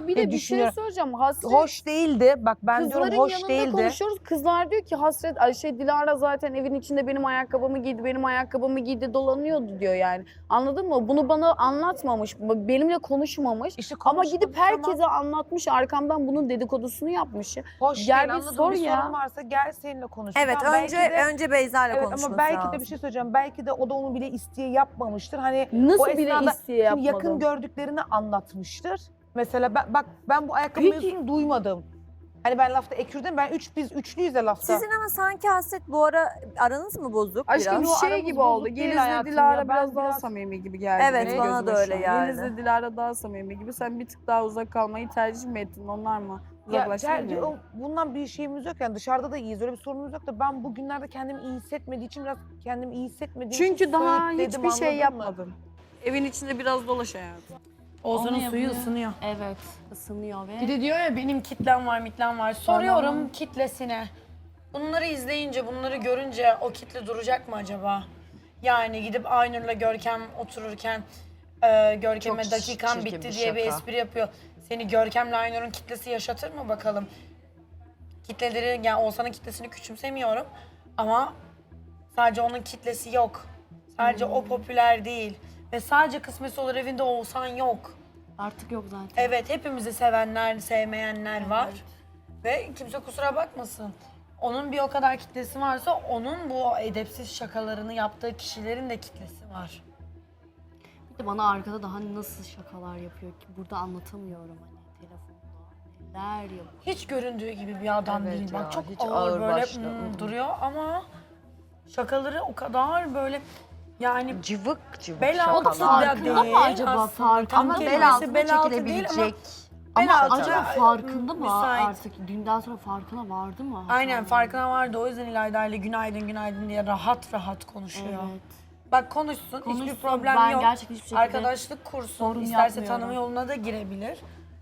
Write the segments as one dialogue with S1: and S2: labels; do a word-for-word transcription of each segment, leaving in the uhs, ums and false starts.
S1: Ya bir de
S2: diye
S1: bir şey
S2: düşünüyorum.
S1: söyleyeceğim. Hasret
S2: Hoş değildi. Bak ben
S1: kızların
S2: diyorum hoş
S1: yanında
S2: değildi.
S1: konuşuyoruz. Kızlar diyor ki Hasret ay şey Dilara zaten evin içinde benim ayakkabımı giydi, benim ayakkabımı giydi dolanıyordu diyor yani. Anladın mı? Bunu bana anlatmamış, benimle konuşmamış.
S2: İşte
S1: Ama
S2: konuşmadı,
S1: gidip herkese
S2: tamam.
S1: anlatmış, arkamdan bunun dedikodusunu yapmış.
S2: Hoş
S1: Gel
S2: değil
S1: bir
S2: anladın
S1: sor
S2: bir
S1: ya.
S2: sorun varsa gel seninle konuş.
S3: Evet
S2: Tamam,
S3: önce
S2: belki de-
S3: önce Beyza ile
S2: Evet
S3: konuşması
S2: ama belki
S3: lazım.
S2: de bir şey söyleyeceğim. Belki de o da onu bile isteye yapmamıştır. Hani
S1: Nasıl
S2: o
S1: bile
S2: esnada
S1: isteye
S2: şimdi yakın
S1: yapmadım?
S2: gördüklerini anlatmıştır. Mesela ben, bak ben bu ayakkabı
S1: Peki-
S2: mevzusunu duymadım. Hani ben lafta ekürdim. Ben üç biz üçlüyüz de lafta.
S3: Sizin ama sanki Hasret bu ara aranız mı bozuk
S1: Aşkım
S3: biraz?
S1: şey
S2: aramız
S1: gibi
S2: bozuk
S1: oldu.
S2: değil
S1: Geliz'le
S2: hayatım
S1: Dilara
S2: ya. Ben
S1: biraz daha
S2: biraz-
S1: samimi gibi geldi.
S3: Evet,
S1: benim
S3: bana
S1: gözüme
S3: da
S1: şu
S3: öyle
S1: an.
S3: geldi.
S1: Geliz'le Dilara daha samimi gibi. Sen bir tık daha uzak kalmayı tercih mi ettin? Onlar mı?
S2: Ya,
S1: Uzaklaştın
S2: gel-
S1: mı?
S2: o- bundan bir şeyimiz yok yani dışarıda da iyiyiz öyle bir sorunumuz yok da ben bugünlerde kendimi iyi hissetmediği için biraz kendimi iyi hissetmediğim için
S1: Çünkü daha
S2: söğütledim,
S1: hiçbir şey
S2: anladın mı?
S1: yapmadın. Evin içinde biraz dolaş hayatım.
S4: Ozan'ın
S5: Onu
S4: suyu
S5: yapıyor.
S4: ısınıyor.
S5: Evet, ısınıyor ve
S4: Bir de diyor ya benim kitlem var, mitlem var. Soruyorum kitlesine. Bunları izleyince, bunları görünce o kitle duracak mı acaba? Yani gidip Aynur'la Görkem otururken e, Görkem'e
S2: Çok
S4: dakikan
S2: çirkin
S4: bitti
S2: bir
S4: diye bir
S2: şaka.
S4: espri yapıyor. Seni Görkem'le Aynur'un kitlesi yaşatır mı bakalım? Kitleleri, yani Oğuzhan'ın kitlesini küçümsemiyorum ama sadece onun kitlesi yok. Sadece o popüler değil. Ve sadece kısmetse olur evinde Oğuzhan yok.
S5: artık yok zaten.
S4: Evet, hepimizi sevenler, sevmeyenler var. Ve kimse kusura bakmasın. Onun bir o kadar kitlesi varsa onun bu edepsiz şakalarını yaptığı kişilerin de kitlesi var.
S5: Bir de bana arkada daha nasıl şakalar yapıyor ki burada anlatamıyorum hani telefonda neler yapıyor.
S4: Hiç göründüğü gibi bir adam
S2: Evet
S4: değil.
S2: ya,
S4: Bak çok
S2: hiç
S4: ağır,
S2: ağır
S4: böyle
S2: başlı,
S4: hmm,
S2: hı hı.
S4: duruyor ama şakaları o kadar böyle yani
S2: Cıvık cıvık
S4: bel
S2: şakalar.
S4: altı da
S5: Farkında
S4: değil
S5: mı acaba?
S4: aslında.
S5: Farkında
S4: Tam
S5: mı?
S2: Ama
S4: kelimesi
S2: bel altına
S4: bel altı değil
S2: çekilebilecek.
S5: Ama
S4: Bel altı
S5: acaba
S4: da,
S5: farkında mı
S4: müsait.
S5: artık? Dünden sonra farkına vardı mı?
S4: Aynen
S5: Hatalarının?
S4: farkına vardı. O yüzden İlayda ile günaydın günaydın diye rahat rahat konuşuyor.
S5: Evet.
S4: Bak konuşsun,
S5: Konuşsun,
S4: hiçbir problem
S5: ben
S4: yok.
S5: gerçekten hiçbir şekilde
S4: Arkadaşlık kursun,
S5: sorun
S4: isterse
S5: yapmıyorum.
S4: tanıma yoluna da girebilir.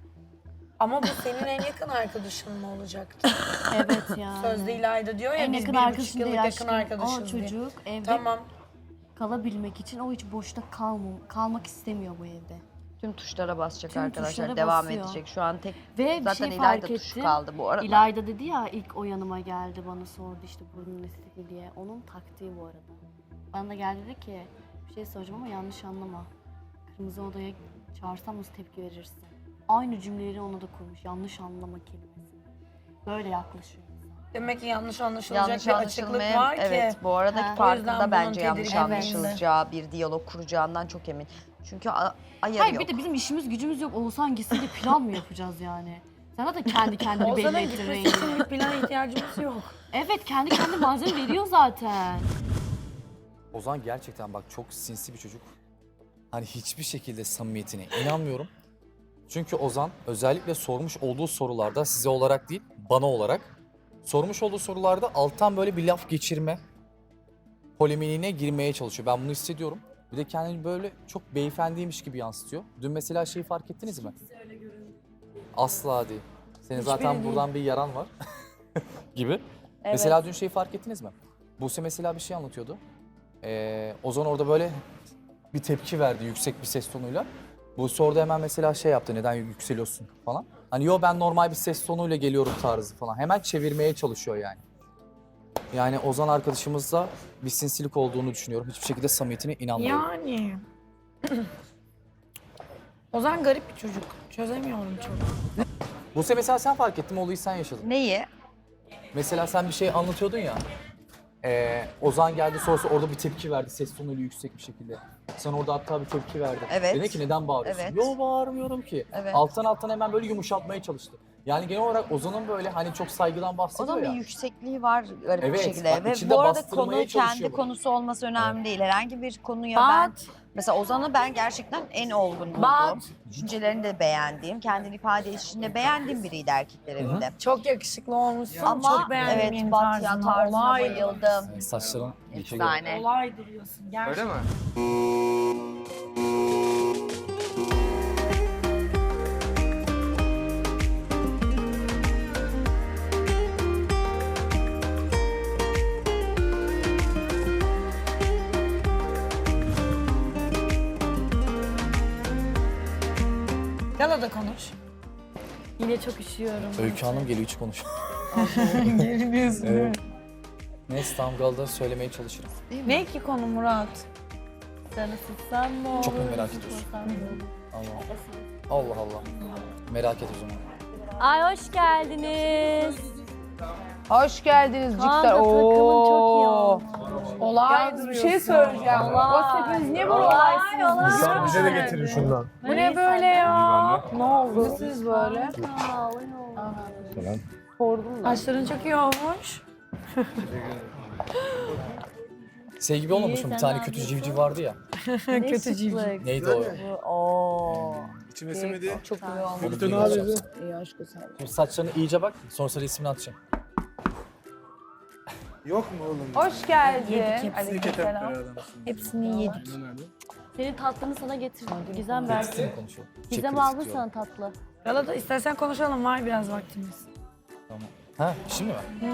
S4: Ama bu senin en yakın arkadaşın mı olacaktı?
S5: Evet yani.
S4: Sözde İlayda diyor ya
S5: en
S4: biz
S5: yakın
S4: bir buçuk
S5: arkadaşım
S4: yıllık
S5: değil
S4: yakın
S5: aşkım.
S4: arkadaşız
S5: O
S4: diye.
S5: çocuk evde
S4: Tamam.
S5: kalabilmek için o hiç boşta kalmam, kalmak istemiyor bu evde.
S6: Tüm tuşlara basacak
S5: Tüm
S6: arkadaşlar.
S5: tuşlara
S6: Devam
S5: basıyor.
S6: edecek. Şu an tek
S5: Ve bir
S6: zaten
S5: şey
S6: İlayda
S5: fark
S6: tuşu
S5: ettim.
S6: kaldı bu arada.
S5: İlayda dedi ya ilk o yanıma geldi bana sordu işte burnun estetik diye. Onun taktiği bu arada. Bana da geldi dedi ki bir şey soracağım ama yanlış anlama. Kırmızı odaya çağırsam nasıl tepki verirsin? Aynı cümleleri ona da kurmuş. Yanlış anlama kelimesini. Böyle yaklaşıyor insan.
S4: Demek ki yanlış anlaşılacak
S6: Yanlış
S4: bir açıklık
S6: anlaşılmaya,
S4: var ki.
S6: evet bu aradaki
S5: Ha.
S4: O yüzden
S6: farkında
S4: bunun
S6: bence yanlış
S4: tedirginliğinde.
S6: anlaşılacağı bir diyalog kuracağından çok emin. Çünkü a- ayarı
S5: Hayır
S6: yok.
S5: bir de bizim işimiz gücümüz yok. Oğuzhan gitsin de plan mı yapacağız yani? Sen zaten kendi kendini belli
S4: Ozan'ın
S5: ettin
S4: gitmesi
S5: rengini.
S4: için bir plana ihtiyacımız yok.
S5: Evet kendi kendi malzeme veriyor zaten.
S7: Ozan gerçekten bak çok sinsi bir çocuk. Hani hiçbir şekilde samimiyetine inanmıyorum. Çünkü Ozan özellikle sormuş olduğu sorularda size olarak değil bana olarak sormuş olduğu sorularda alttan böyle bir laf geçirme polemiğine girmeye çalışıyor. Ben bunu hissediyorum. Bir de kendini böyle çok beyefendiymiş gibi yansıtıyor. Dün mesela şeyi fark ettiniz mi? Asla değil. Senin zaten
S4: değil.
S7: buradan bir yaran var gibi. Mesela dün şeyi fark ettiniz mi? Buse mesela bir şey anlatıyordu. Ee, Ozan orada böyle bir tepki verdi yüksek bir ses tonuyla. Buse orada hemen mesela şey yaptı, neden yükseliyorsun falan. Hani yo ben normal bir ses tonuyla geliyorum tarzı falan. Hemen çevirmeye çalışıyor yani. Yani Ozan arkadaşımızda bir sinsilik olduğunu düşünüyorum. Hiçbir şekilde samimiyetine inanmıyorum.
S4: Yani. Ozan garip bir çocuk. Çözemiyorum çok.
S7: Buse mesela sen fark ettin mi, olayı sen yaşadın.
S6: Neyi?
S7: Mesela sen bir şey anlatıyordun ya. Ee, Ozan geldi sonrası orada bir tepki verdi ses tonuyla yüksek bir şekilde. Sen orada hatta bir tepki verdin.
S6: Evet.
S7: Dedi ki neden bağırıyorsun?
S6: Evet.
S7: Yo bağırmıyorum ki.
S6: Evet.
S7: Alttan alttan hemen böyle yumuşatmaya çalıştı. Yani genel olarak Ozan'ın böyle hani çok saygıdan bahsediyor
S6: Onun bir
S7: ya.
S6: yüksekliği var garip bir
S7: Evet,
S6: şekilde.
S7: bak
S6: Ve
S7: içinde
S6: bu arada
S7: bastırmaya
S6: konu
S7: çalışıyor
S6: kendi
S7: bu.
S6: konusu olması önemli değil. Herhangi bir konuya ben
S4: Bat.
S6: mesela Ozan'ı ben gerçekten en olgun bulduğum,
S4: Bat.
S6: düşüncelerini de beğendiğim, kendini ifade edişinde beğendiğim biriydi erkekler evinde.
S4: Çok yakışıklı olmuşsun.
S6: Ama
S4: çok beğendim
S6: evet
S4: yeni
S6: Batya
S4: tarzını.
S6: tarzına
S4: Olay
S6: bayıldım.
S7: Saçların dike göre.
S6: Efsane.
S4: Olay duruyorsun gerçekten.
S8: Öyle mi?
S4: Galada konuş.
S5: Yine çok üşüyorum.
S7: Öykü Hanım geliyor hiç konuş.
S2: Geriliyorsun
S7: Evet. Neyse tam Galda söylemeye çalışırım.
S2: Ne ki konu Murat?
S5: Sana sıksam mı olur?
S7: Çok mu merak ediyorsun?
S5: sıkmasam mı olur?
S7: Allah Allah. Allah. Merak et o zaman.
S5: Ay hoş geldiniz.
S2: Hoş geldiniz
S5: Kaan da
S2: Cikler.
S5: takımın çok iyi
S2: Oo.
S5: olmuş.
S2: Olay bir şey söyleyeceğim.
S5: Olay.
S2: Bak hepiniz niye böyle olaysınız?
S8: Sen bize de getirin şundan.
S2: Bu ne böyle ya?
S8: Ne
S2: oldu? Siz böyle.
S5: Sağ olun.
S8: Selam.
S2: Sordum da.
S4: Saçların çok iyi olmuş.
S7: Şey gibi olmamış mı? Bir tane kötü civciv vardı ya.
S5: Kötü civciv.
S7: Neydi o?
S2: Oo.
S8: İçime simidi.
S2: Çok iyi olmuş.
S7: Onu
S8: Kötü ne
S7: duymak
S8: yapıyorsun?
S7: yapsam.
S2: İyi aşkı sen.
S7: Şimdi saçlarını iyice bak. Sonrasında resmini atacağım.
S8: Yok mu oğlum?
S2: Hoş geldin.
S8: Ketep
S2: Aleykümselam.
S3: Hepsini yedik.
S5: Senin tatlını sana getirdim. Gizem versin.
S7: Tekstil konuşalım.
S5: Gizem
S7: Çekil
S5: aldı
S7: istiyorum.
S5: sana tatlı.
S4: Galata istersen konuşalım, var biraz vaktimiz.
S7: Tamam. Ha şimdi mi?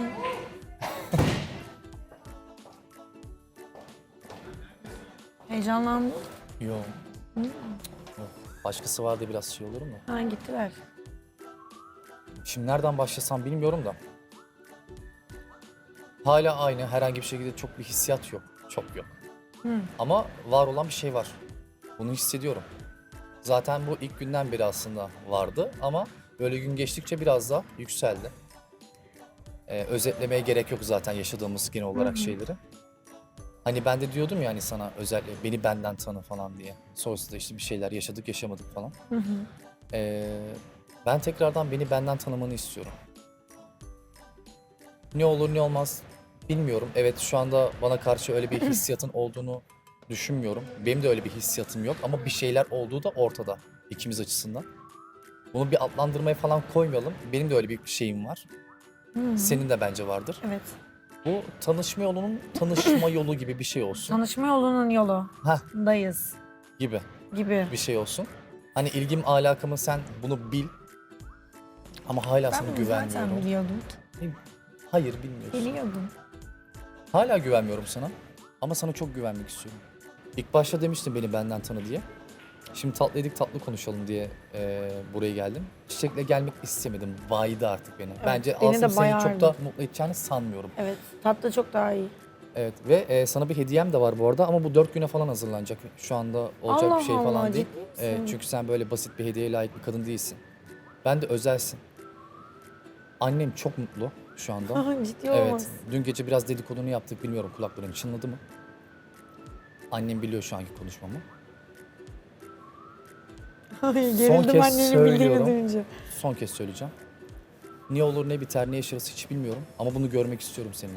S4: Heyecanlandın.
S7: Yok. Yok. Başkası vardı biraz şey olur mu?
S4: Ha gitti ver.
S7: Şimdi nereden başlasam bilmiyorum da. Hala aynı, herhangi bir şekilde çok bir hissiyat yok. Çok yok. Ama var olan bir şey var. Bunu hissediyorum. Zaten bu ilk günden beri aslında vardı ama böyle gün geçtikçe biraz daha yükseldi. Ee, özetlemeye gerek yok zaten yaşadığımız genel olarak şeyleri. Hani ben de diyordum ya hani sana özellikle beni benden tanı falan diye. Sonrasında işte bir şeyler yaşadık yaşamadık falan. Ee, ben tekrardan beni benden tanımanı istiyorum. Ne olur ne olmaz bilmiyorum. Evet şu anda bana karşı öyle bir hissiyatın olduğunu düşünmüyorum. Benim de öyle bir hissiyatım yok ama bir şeyler olduğu da ortada ikimiz açısından. Bunu bir adlandırmaya falan koymayalım. Benim de öyle bir şeyim var. Senin de bence vardır.
S4: Evet.
S7: Bu tanışma yolunun tanışma yolu gibi bir şey olsun.
S4: Tanışma yolunun yolu.
S7: Heh.
S4: Dayız
S7: Gibi
S4: gibi.
S7: bir şey olsun. Hani ilgim alakamı sen bunu bil. Ama hala sana
S4: Ben bunu
S7: güvenmiyorum.
S4: zaten biliyordum.
S7: Hayır bilmiyorsun.
S4: Biliyordum.
S7: Hala güvenmiyorum sana. Ama sana çok güvenmek istiyorum. İlk başta demiştin beni benden tanı diye. Şimdi tatlı yedik tatlı konuşalım diye eee, buraya geldim. Çiçekle gelmek istemedim. Baydı artık beni. Bence
S4: beni
S7: aslında
S4: de
S7: seni çok
S4: bayardı.
S7: da mutlu edeceğini sanmıyorum.
S4: Evet. Tatlı çok daha iyi.
S7: Evet ve e, sana bir hediyem de var bu arada ama bu dört güne falan hazırlanacak. Şu anda olacak
S4: Allah
S7: bir şey
S4: Allah,
S7: falan değil.
S4: ciddi misin?
S7: Evet, çünkü sen böyle basit bir hediyeye layık bir kadın değilsin. Ben de özelsin. Annem çok mutlu şu anda.
S4: Ciddi
S7: Evet.
S4: olmaz.
S7: Dün gece biraz dedikodunu yaptık. Bilmiyorum kulakların çınladı mı? Annem biliyor şu anki konuşmamı.
S4: Ay,
S7: Son
S4: gerildim
S7: kez
S4: annenin
S7: söylüyorum.
S4: bildiğini duyunca.
S7: Son kez söyleyeceğim. Ne olur ne biter ne yaşarız hiç bilmiyorum. Ama bunu görmek istiyorum seninle.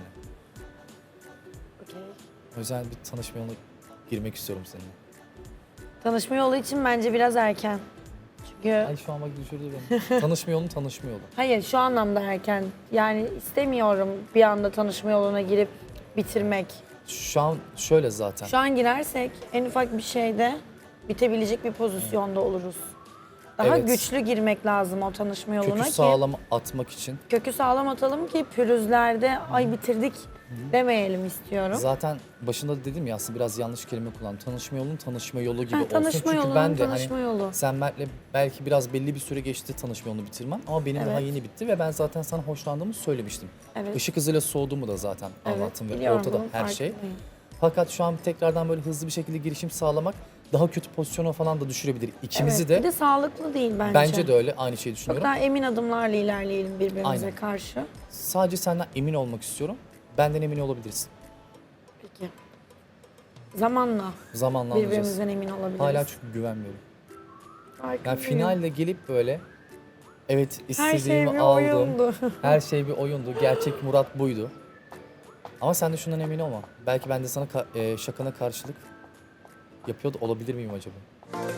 S7: Özel bir tanışma yoluna girmek istiyorum seninle.
S4: Tanışma yolu için bence biraz erken. Çünkü
S7: Ay şu an bak düşürdü beni. Tanışma yolu tanışma yolu.
S4: hayır şu anlamda erken. Yani istemiyorum bir anda tanışma yoluna girip bitirmek.
S7: Şu an şöyle zaten.
S4: Şu an girersek en ufak bir şeyde bitebilecek bir pozisyonda oluruz. Daha
S7: Evet.
S4: güçlü girmek lazım o tanışma yoluna
S7: Kökü
S4: ki
S7: sağlam atmak için.
S4: kökü sağlam atalım ki pürüzlerde ay bitirdik demeyelim istiyorum.
S7: Zaten başında da dedim ya aslında biraz yanlış kelime kullandım. Tanışma yolunun tanışma yolu gibi
S4: Ha,
S7: olsun.
S4: tanışma
S7: Çünkü
S4: yolunun
S7: ben de
S4: tanışma
S7: hani
S4: yolu.
S7: sen Mert'le belki biraz belli bir süre geçti tanışma yolunu bitirmem ama benim daha
S4: Evet.
S7: yeni bitti ve ben zaten sana hoşlandığımı söylemiştim.
S4: Evet.
S7: Işık hızıyla soğuduğumu da zaten
S4: Evet,
S7: anlattım ve
S4: biliyorum,
S7: ortada
S4: bunun
S7: her şey.
S4: farkındayım.
S7: Fakat şu an tekrardan böyle hızlı bir şekilde girişim sağlamak daha kötü pozisyona falan da düşürebilir. İkimizi
S4: Evet,
S7: de
S4: bir de sağlıklı değil bence.
S7: bence de öyle aynı şeyi
S4: Çok
S7: düşünüyorum.
S4: daha emin adımlarla ilerleyelim birbirimize
S7: Aynen.
S4: karşı.
S7: Sadece senden emin olmak istiyorum. Benden emin olabilirsin.
S4: Peki. Zamanla
S7: Zamanla anlayacağız.
S4: birbirimizden emin olabiliriz.
S7: Hala çünkü güvenmiyorum. Yani
S4: Farkındayım.
S7: finalde gelip böyle evet
S4: her şey
S7: istediğimi
S4: bir
S7: aldım.
S4: oyundu.
S7: Her şey bir oyundu. Gerçek Murat buydu. Ama sen de şundan emin olma. Belki ben de sana ka- e, şakana karşılık yapıyor da olabilir miyim acaba?